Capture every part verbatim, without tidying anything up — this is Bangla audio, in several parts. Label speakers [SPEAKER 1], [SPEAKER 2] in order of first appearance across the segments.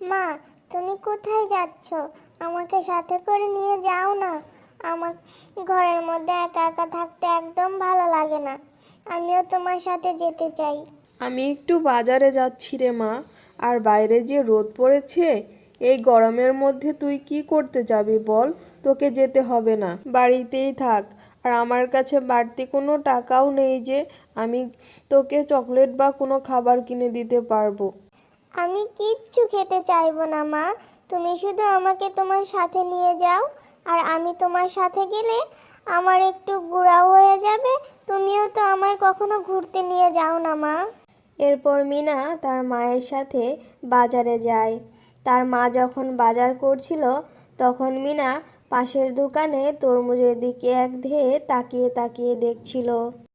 [SPEAKER 1] মা, তুমি কোথায় যাচ্ছ? আমাকে সাথে করে নিয়ে যাও না। আমার ঘরের মধ্যে একা একা থাকতে একদম ভালো লাগে না। আমিও তোমার সাথে যেতে চাই।
[SPEAKER 2] আমি একটু বাজারে যাচ্ছি রে মা। আর বাইরে যে রোদ পড়েছে, এই গরমের মধ্যে তুই কি করতে যাবি বল? তোকে যেতে হবে না, বাড়িতেই থাক। আর আমার কাছে বাড়তি কোনো টাকাও নেই যে আমি তোকে চকলেট বা কোনো খাবার কিনে দিতে পারবো।
[SPEAKER 1] আমি কিচ্ছু খেতে চাইবো না মা। তুমি শুধু আমাকে তোমার সাথে নিয়ে যাও। আর আমি তোমার সাথে গেলে আমার একটু ঘোরাও হয়ে যাবে। তুমিও তো আমায় কখনো ঘুরতে নিয়ে যাও না মা।
[SPEAKER 3] এরপর মিনা তার মায়ের সাথে বাজারে যায়। তার মা যখন বাজার করছিল তখন মিনা পাশের দোকানে তরমুজের দিকে একধেয়ে তাকিয়ে তাকিয়ে দেখছিল।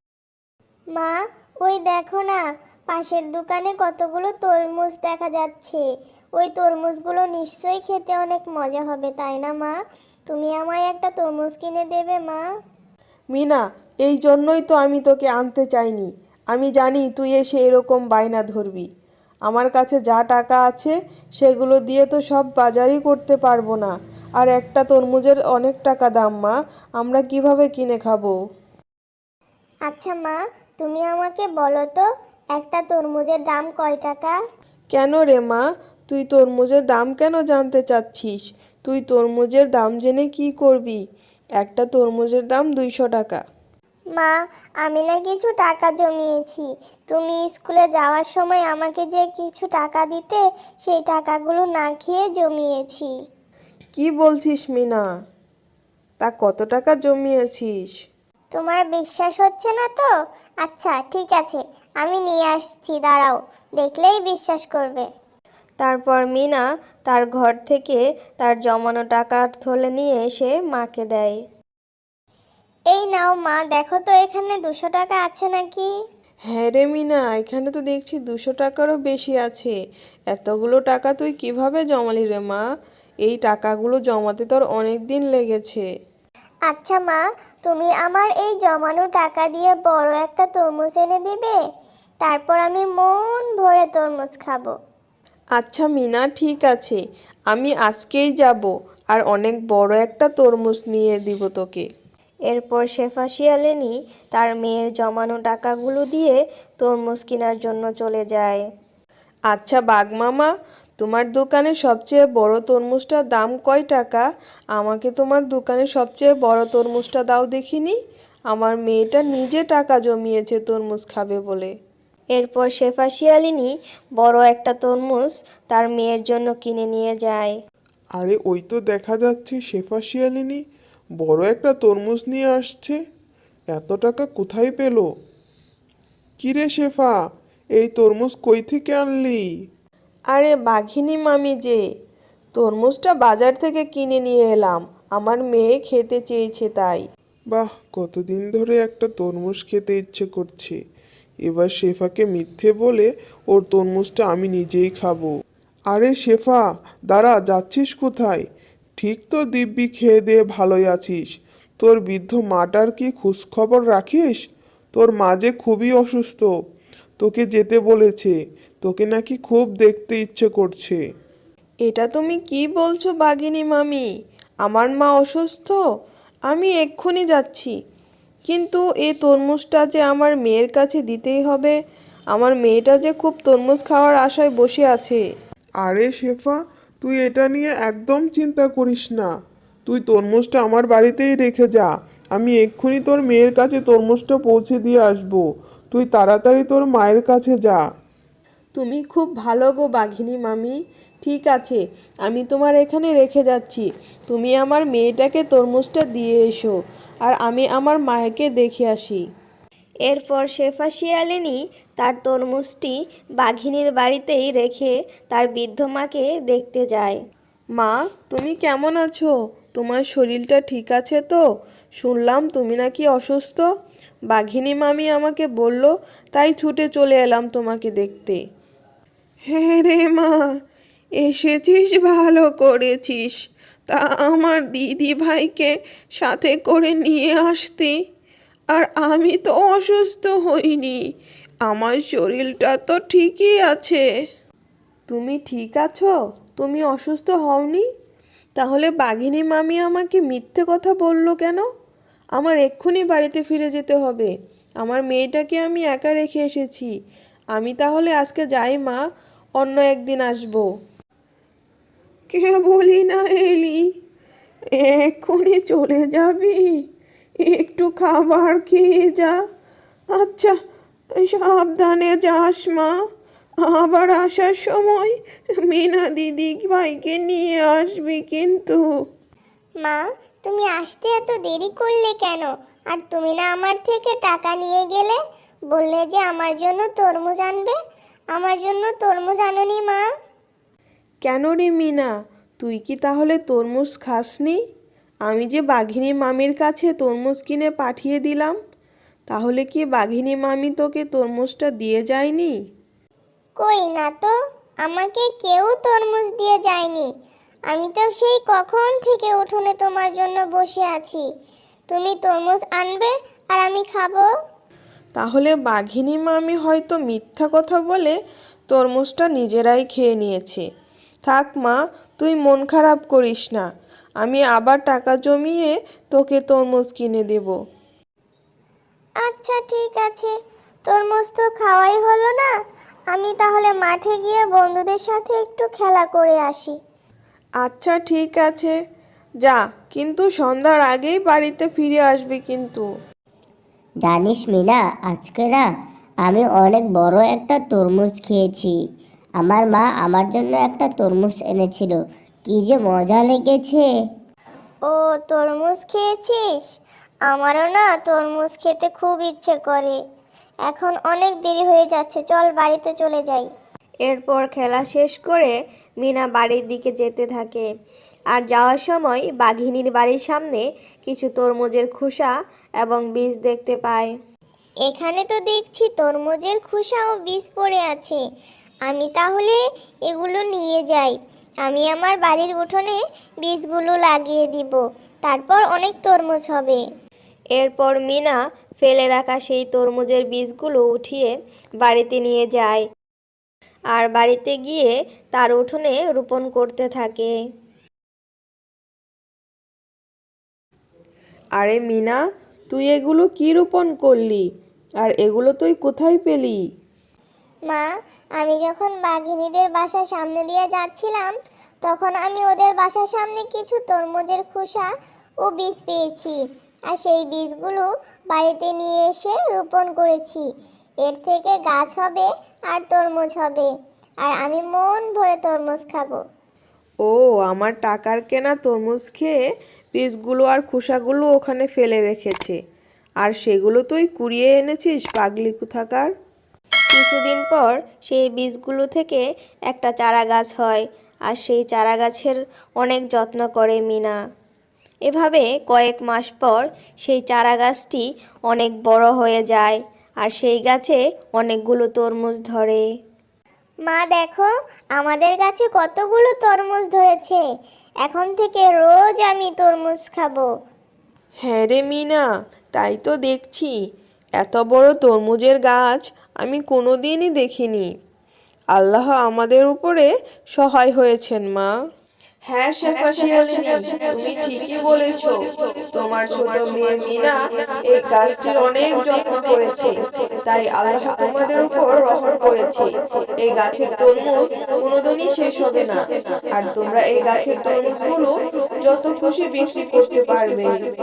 [SPEAKER 1] মা, ওই দেখো না, পাশের দোকানে কতগুলো তরমুজ দেখা যাচ্ছে। ওই তরমুজগুলো নিশ্চয়ই খেতে অনেক মজা হবে, তাই না মা? তুমি আমায় একটা তরমুজ কিনে দেবে মা?
[SPEAKER 2] মিনা, এই জন্যই তো আমি তোকে আনতে চাইনি। আমি জানি তুই এসে এরকম বায়না ধরবি। আমার কাছে যা টাকা আছে সেগুলো দিয়ে তো সব বাজারই করতে পারবো না। আর একটা তরমুজের অনেক টাকা দাম মা, আমরা কিভাবে কিনে খাবো?
[SPEAKER 1] আচ্ছা মা, তুমি আমাকে বলো তো, একটা তরমুজের দাম কয় টাকা?
[SPEAKER 2] কেন রে মা, তুই তরমুজের দাম কেন জানতে চাচ্ছিস? তুই তরমুজের দাম জেনে কি করবি? একটা তরমুজের দাম দুইশো টাকা।
[SPEAKER 1] মা, আমি না কিছু টাকা জমিয়েছি। তুমি স্কুলে যাওয়ার সময় আমাকে যে কিছু টাকা দিতে, সেই টাকাগুলো না খেয়ে জমিয়েছি।
[SPEAKER 2] কি বলছিস মিনা? তা কত টাকা জমিয়েছিস?
[SPEAKER 1] তোমার বিশ্বাস হচ্ছে না তো? আচ্ছা ঠিক আছে, আমি নিয়ে আসছি, দাঁড়াও, দেখলেই বিশ্বাস করবে।
[SPEAKER 3] তারপর মিনা তার ঘর থেকে তার জমানো টাকার থলে নিয়ে এসে মাকে দেয়।
[SPEAKER 1] এই নাও মা, দেখো তো এখানে দুশো টাকা আছে নাকি?
[SPEAKER 2] হ্যাঁ রে মিনা, এখানে তো দেখছি দুশো টাকারও বেশি আছে। এতগুলো টাকা তুই কিভাবে জমালি রে মা? এই টাকাগুলো জমাতে তোর অনেক দিন লেগেছে।
[SPEAKER 1] আচ্ছা মা, তুমি আমার এই জমানো টাকা দিয়ে বড় একটা তরমুজ এনে দিবে? তারপর আমি মন ভরে তরমুজ খাবো।
[SPEAKER 2] আচ্ছা মিনা, ঠিক আছে, আমি আজকেই যাব আর অনেক বড় একটা তরমুজ নিয়ে দিব তোকে।
[SPEAKER 3] এরপর শেফা শিয়ালিনী তার মেয়ের জমানো টাকাগুলো দিয়ে তরমুজ কেনার জন্য চলে যায়।
[SPEAKER 2] আচ্ছা বাঘ মামা, তোমার দোকানে সবচেয়ে বড় তরমুজটার দাম কয় টাকা? আমাকে তোমার দোকানে সবচেয়ে বড় তরমুজটা দাও দেখিনি। আমার মেয়েটা নিজে টাকা জমিয়েছে তরমুজ খাবে বলে।
[SPEAKER 3] এরপর শেফা শিয়ালিনী বড় একটা তরমুজ তার মেয়ের জন্য কিনে নিয়ে যায়।
[SPEAKER 4] আরে ওই তো দেখা যাচ্ছে শেফা শিয়ালিনী বড় একটা তরমুজ নিয়ে আসছে। এত টাকা কোথায় পেলো? কিরে শেফা, এই তরমুজ কই থেকে আনলি?
[SPEAKER 2] আরে বাঘিনী মামি যে, তরমুজটা বাজার থেকে কিনে নিয়ে এলাম, আমার মেয়ে খেতে চেয়েছে তাই।
[SPEAKER 4] বাহ, কতদিন ধরে একটা তরমুজ খেতে ইচ্ছে করছে। এবার শেফাকে মিথ্যে বলে ওর তরমুজটা আমি নিজেই খাবো। আরে শেফা, দাঁড়া, যাচ্ছিস কোথায়? ঠিক তো দিব্যি খেয়ে দিয়ে ভালোই আছিস। তোর বৃদ্ধ মাটার কি খোঁজখবর রাখিস? তোর মা যে খুবই অসুস্থ, তোকে যেতে বলেছে। তোকে নাকি খুব দেখতে ইচ্ছে করছে।
[SPEAKER 2] এটা তুমি কি বলছো বাঘিনী মামি? আমার মা অসুস্থ? আমি এক্ষুনি যাচ্ছি। কিন্তু এই তরমুজটা যে আমার মেয়ের কাছে দিতেই হবে। আমার মেয়েটা যে খুব তরমুজ খাওয়ার আশায় বসে আছে।
[SPEAKER 4] আরে শেফা, তুই এটা নিয়ে একদম চিন্তা করিস না। তুই তরমুজটা আমার বাড়িতেই রেখে যা। আমি এক্ষুনি তোর মেয়ের কাছে তরমুজটা পৌঁছে দিয়ে আসবো। তুই তাড়াতাড়ি তোর মায়ের কাছে যা।
[SPEAKER 2] তুমি খুব ভালো গো বাঘিনী মামি। ঠিক আছে, আমি তোমার এখানে রেখে যাচ্ছি। তুমি আমার মেয়েটাকে তরমুজটা দিয়ে এসো, আর আমি আমার মাকে দেখে আসি।
[SPEAKER 3] এরপর শেফা শিয়ালিনী তার তরমুজটি বাঘিনীর বাড়িতেই রেখে তার বৃদ্ধ মাকে দেখতে যায়।
[SPEAKER 2] মা, তুমি কেমন আছো? তোমার শরীরটা ঠিক আছে তো? শুনলাম তুমি নাকি অসুস্থ। বাঘিনী মামি আমাকে বলল, তাই ছুটে চলে এলাম তোমাকে দেখতে। হ্যাঁ রে মা, এসেছিস, ভালো করেছিস। তা আমার দিদি ভাইকে সাথে করে নিয়ে আসতি। আর আমি তো অসুস্থ হইনি, আমার শরীরটা তো ঠিকই আছে। তুমি ঠিক আছো? তুমি অসুস্থ হওনি? তাহলে বাঘিনী মামি আমাকে মিথ্যে কথা বললো কেন? আমার এক্ষুনি বাড়িতে ফিরে যেতে হবে। আমার মেয়েটাকে আমি একা রেখে এসেছি। আমি তাহলে আজকে যাই মা, অন্য একদিন আসবো। কে বলি না এলি, এক্ষুনি চলে যাবি? একটু খাবার খেয়ে যা। আচ্ছা, সাবধানে যাস মা। আবার আসার সময় মিনা দিদি ভাইকে নিয়ে আসবি কিন্তু।
[SPEAKER 1] মা, তুমি আসতে এত দেরি করলে কেন? আর তুমি না আমার থেকে টাকা নিয়ে গেলে, বললে যে আমার জন্য তরমুজ আনবে। আমার জন্য তরমুজ আনোনি মা?
[SPEAKER 2] কেন রে মিনা, তুই কি তাহলে তরমুজ খাসনি? আমি যে বাঘিনী মামির কাছে তরমুজ কিনে পাঠিয়ে দিলাম, তাহলে কি বাঘিনী মামি তোকে তরমুজটা দিয়ে যায়নি?
[SPEAKER 1] কই না তো, আমাকে কেউ তরমুজ দিয়ে যায়নি। আমি তো সেই কখন থেকে উঠোনে তোমার জন্য বসে আছি। তুমি তরমুজ আনবে আর আমি খাবো।
[SPEAKER 2] তাহলে বাঘিনী মামি হয়তো মিথ্যা কথা বলে তরমুজটা নিজেরাই খেয়ে নিয়েছে। থাক মা, তুই মন খারাপ করিস না। আমি আবার টাকা জমিয়ে তোকে তরমুজ কিনে দেব।
[SPEAKER 1] আচ্ছা ঠিক আছে, তরমুজ তো খাওয়াই হলো না। আমি তাহলে মাঠে গিয়ে বন্ধুদের সাথে একটু খেলা করে আসি।
[SPEAKER 2] আচ্ছা ঠিক আছে, যা, কিন্তু সন্ধ্যার আগেই বাড়িতে ফিরে আসবি কিন্তু।
[SPEAKER 5] জানিস মিনা, আজকে না আমি অনেক বড় একটা তরমুজ খেয়েছি। আমার মা আমার জন্য একটা তরমুজ এনেছিল, কি যে মজা লেগেছে।
[SPEAKER 1] ও, তরমুজ খেয়েছিস? আমারও না তরমুজ খেতে খুব ইচ্ছে করে। এখন অনেক দেরি হয়ে যাচ্ছে, চল বাড়িতে চলে যাই।
[SPEAKER 3] এরপর খেলা শেষ করে মিনা বাড়ির দিকে যেতে থাকে। আর যাওয়ার সময় বাঘিনীর বাড়ির সামনে কিছু তরমুজের খোসা এবং বীজ দেখতে পায়।
[SPEAKER 1] এখানে তো দেখছি তরমুজের খোসা ও বীজ পড়ে আছে। আমি তাহলে এগুলো নিয়ে যাই। আমি আমার বাড়ির উঠোনে বীজগুলো লাগিয়ে দিব, তারপর অনেক তরমুজ হবে।
[SPEAKER 3] এরপর মিনা ফেলে রাখা সেই তরমুজের বীজগুলো উঠিয়ে বাড়িতে নিয়ে যায় আর বাড়িতে গিয়ে তার উঠোনে রোপণ করতে থাকে।
[SPEAKER 2] আরে মিনা, তুই এগুলো কি রোপণ করলি? আর এগুলো তুই কোথায় পেলি?
[SPEAKER 1] মা, আমি যখন বাঘিনীদের বাসার সামনে দিয়ে যাচ্ছিলাম, তখন আমি ওদের বাসার সামনে কিছু তরমুজের খোসা ও বীজ পেয়েছি। আর সেই বীজগুলো বাড়িতে নিয়ে এসে রোপণ করেছি। এর থেকে গাছ হবে আর তরমুজ হবে, আর আমি মন ভরে তরমুজ খাবো।
[SPEAKER 2] ও, আমার টাকার কেনা তরমুজ খেয়ে বীজগুলো আর খোসাগুলো ওখানে ফেলে রেখেছে, আর সেগুলো তুই কুড়িয়ে এনেছিস পাগলি কোথাকার।
[SPEAKER 3] কিছুদিন পর সেই বীজগুলো থেকে একটা চারা গাছ হয়, আর সেই চারা গাছের অনেক যত্ন করে মিনা। এভাবে কয়েক মাস পর সেই চারা গাছটি অনেক বড় হয়ে যায়, আর সেই গাছে অনেকগুলো তরমুজ ধরে।
[SPEAKER 1] মা দেখো, আমাদের গাছে কতগুলো তরমুজ ধরেছে। এখন থেকে রোজ আমি তরমুজ খাবো।
[SPEAKER 2] হ্যাঁ রে মিনা, তাই তো দেখছি। এত বড় তরমুজের গাছ আমি কোনোদিনই দেখিনি। আল্লাহ আমাদের উপরে সহায় হয়েছেন মা। হ্যাঁ শেফা শিয়ালিনী, তুমি ঠিকই বলেছো। তোমার ছোট মেয়ে মিনা এই গাছটির অনেক যত্ন করেছে, তাই আল্লাহ তোমাদের উপর রহম করেছে। এই গাছের তরমুজ কোনোদিনই শেষ হবে না, আর তোমরা এই গাছের তরমুজগুলো যত খুশি বিক্রি করতে পারবে।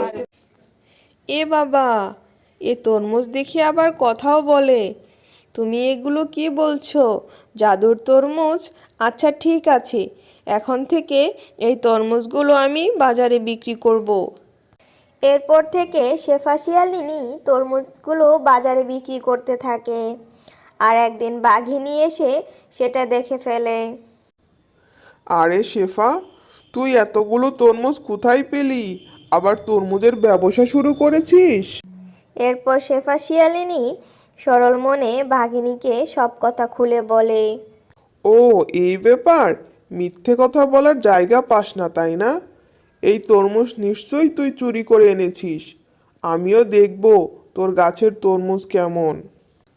[SPEAKER 2] এ বাবা, এ তরমুজ দেখি আবার কথাও বলে। তুমি এগুলো কি বলছো? জাদুর তরমুজ? আচ্ছা ঠিক আছে, এখন থেকে এই তরমুজগুলো আমি বাজারে বিক্রি করব।
[SPEAKER 3] এরপর থেকে শেফা শিয়ালিনী তরমুজগুলো বাজারে বিক্রি করতে থাকে। আর একদিন বাঘিনী এসে সেটা দেখে ফেলে।
[SPEAKER 4] আরে শেফা, তুই এতগুলো তরমুজ কোথায় পেলি? আবার তরমুজের ব্যবসা শুরু করেছিস?
[SPEAKER 3] এরপর শেফা শিয়ালিনী সরল মনে বাঘিনীকে সব কথা খুলে বলে।
[SPEAKER 4] ও, এই ব্যাপার। মিথ্যে কথা বলার জায়গা পাস না, তাই না? এই তরমুজ নিশ্চয়ই তুই চুরি করে এনেছিস। আমিও দেখব তোর গাছের তরমুজ কেমন।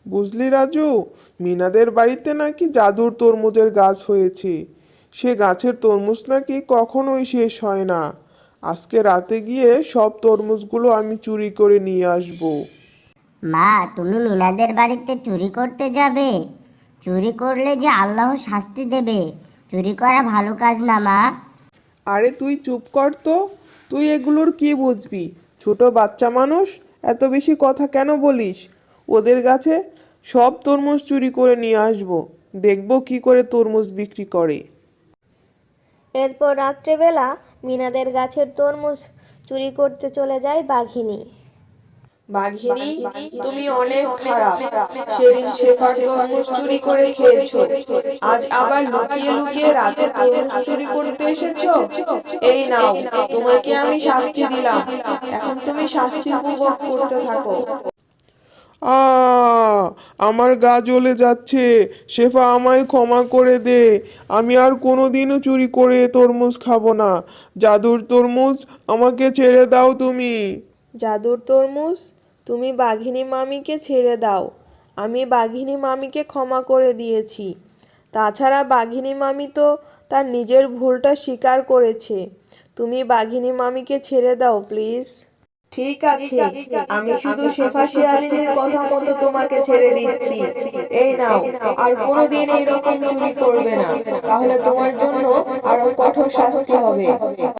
[SPEAKER 4] বুঝলি রাজু, মিনাদের বাড়িতে নাকি জাদুর তরমুজের গাছ হয়েছে। সে গাছের তরমুজ নাকি কখনোই শেষ হয় না। আজকে রাতে গিয়ে সব তরমুজগুলো আমি চুরি করে নিয়ে আসবো।
[SPEAKER 5] মা, তুমি মিনাদের বাড়িতে চুরি করতে যাবে? চুরি করলে যে আল্লাহ শাস্তি দেবে। চুরি করা ভালো কাজ না মা।
[SPEAKER 2] আরে তুই চুপ কর তো, তুই এগুলোর কি বুঝবি? ছোট বাচ্চা মানুষ, এত বেশি কথা কেন বলিস? ওদের গাছে সব তরমুজ চুরি করে নিয়ে আসবো, দেখবো কি করে তরমুজ বিক্রি করে।
[SPEAKER 3] এরপর রাত্রেবেলা মিনাদের গাছের তরমুজ চুরি করতে চলে যায় বাঘিনী।
[SPEAKER 2] বাঘিনী, তুমি অনেক খারাপ। সেদিন শেফার তরমুজ চুরি করে খেয়েছো, আজ আবার লুকিয়ে লুকিয়ে রাতে তরমুজ চুরি করতে এসেছো। এই নাও, তোমাকে আমি শাস্তি দিলাম, এখন তুমি শাস্তি উপভোগ করতে থাকো।
[SPEAKER 4] আ আমার গা জ্বলে যাচ্ছে। শেফা, আমায় ক্ষমা করে দে। আমি আর কোনোদিনও চুরি করে তরমুজ খাবো না। জাদুর তরমুজ, আমাকে ছেড়ে দাও তুমি।
[SPEAKER 2] জাদুর তরমুজ, তুমি বাঘিনী মামিকে ছেড়ে দাও। আমি বাঘিনী মামিকে ক্ষমা করে দিয়েছি। তাছাড়া বাঘিনী মামি তো তার নিজের ভুলটা স্বীকার করেছে। তুমি বাঘিনী মামিকে ছেড়ে দাও প্লিজ। ঠিক আছে, আমি শুধু শেফা শিয়ালিনীর কথা মতো তোমাকে ছেড়ে দিচ্ছি। এই নাও, আর কোনোদিন এইরকম চুরি করবে না, তাহলে তোমার জন্য আরো কঠোর শাস্তি হবে।